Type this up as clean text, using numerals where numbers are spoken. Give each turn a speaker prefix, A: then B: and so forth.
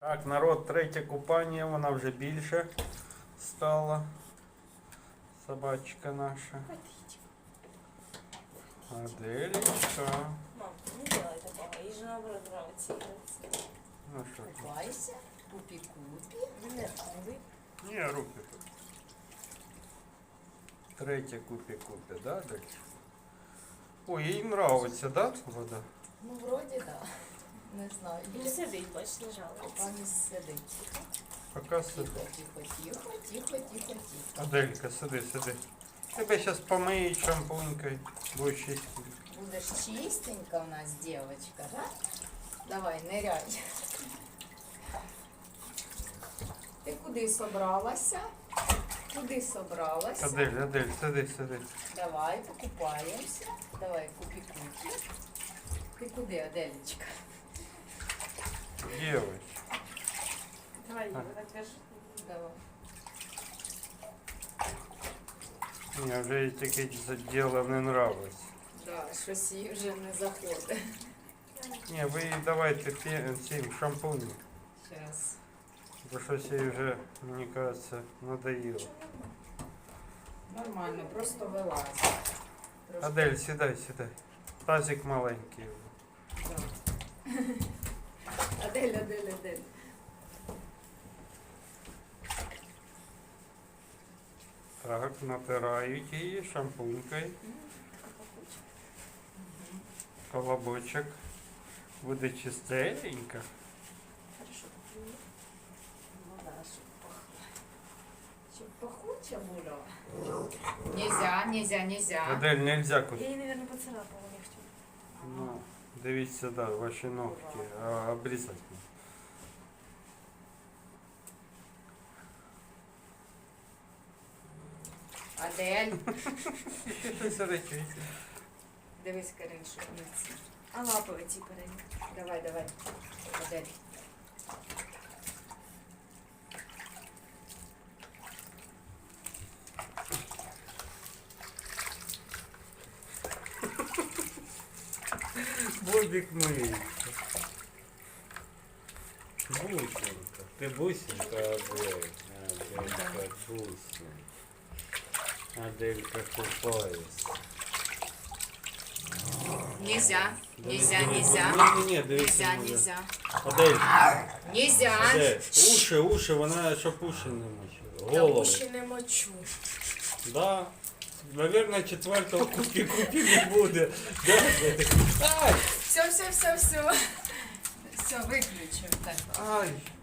A: Так, народ, третє купання, вона вже більше стала. Собачка наша. Аделечка.
B: Мам, не делай такого, ей же наоборот нравится играть.
A: Ну що ж.
C: Купайся, купи-купи.
B: Нет, не вы.
A: Ні, руки тут. Третє купі-купі, да, Адельчик? Ой, їй нравиться, да, вода?
C: Ну, вроді да. Не знаю.
B: Не сидить, бач, не жалується.
C: Пані сидить.
A: Пока сиди.
C: Тихо, тихо, тихо, тихо, тихо.
A: Аделька, сиди, сиди. Тебе зараз помиють шампунькою, будеш чистити.
C: Будеш чистенька у нас, девочка, да? Давай, ныряй. Ти куди собралася? Куди собралася?
A: Адель, Адель, сиди, сиди.
C: Давай, покупаємося. Давай, купи-купи. Ти куди, Аделечка?
A: Девочка.
B: Давай, Юра, держи.
C: Давай.
A: Мені вже і таке діло не нравиться.
C: Да, щось їй вже не заходить.
A: Ні, ви їй давайте цим шампунем.
C: Зараз.
A: Бо щось їй вже, мені кажеться, надоїло.
C: Нормально, просто вилазить. Трошки.
A: Адель, сідай, сідай. Тазик маленький.
C: Да. Адель, Адель, Адель.
A: Так, натирають її шампунькою. Колобочок. Буде чистенько.
B: Хорошо, попью.
C: Ну да, щоб пахуча була. Нельзя, нельзя, нельзя.
A: Адель, нельзя куди.
B: Я ей, наверное, поцарапала ногтем.
A: Ну, дивіться, да, ваші ногті. А обрізати.
C: Адель.
A: Щось речить.
C: Дивись, Карин, що не ці.
B: А лапы эти передние.
C: Давай, давай. Адель.
A: Бобик миється. Бусинка. Ти бусинка, Адель. Аделька, бусинка. Аделька купається.
C: Нельзя, нельзя, нельзя.
A: Ні, дивіться.
C: Нельзя,
A: може.
C: нельзя.
A: Адель,
C: Нельзя.
A: Адель, уші, вона щоб уші не мочила.
B: Я
A: Голову.
B: уши не мочу.
A: Да. Наверное, четвертого купи не буде. Да, Адель? Ай!
C: Все, все, все, все. Все, виключив. Так.
A: Ай!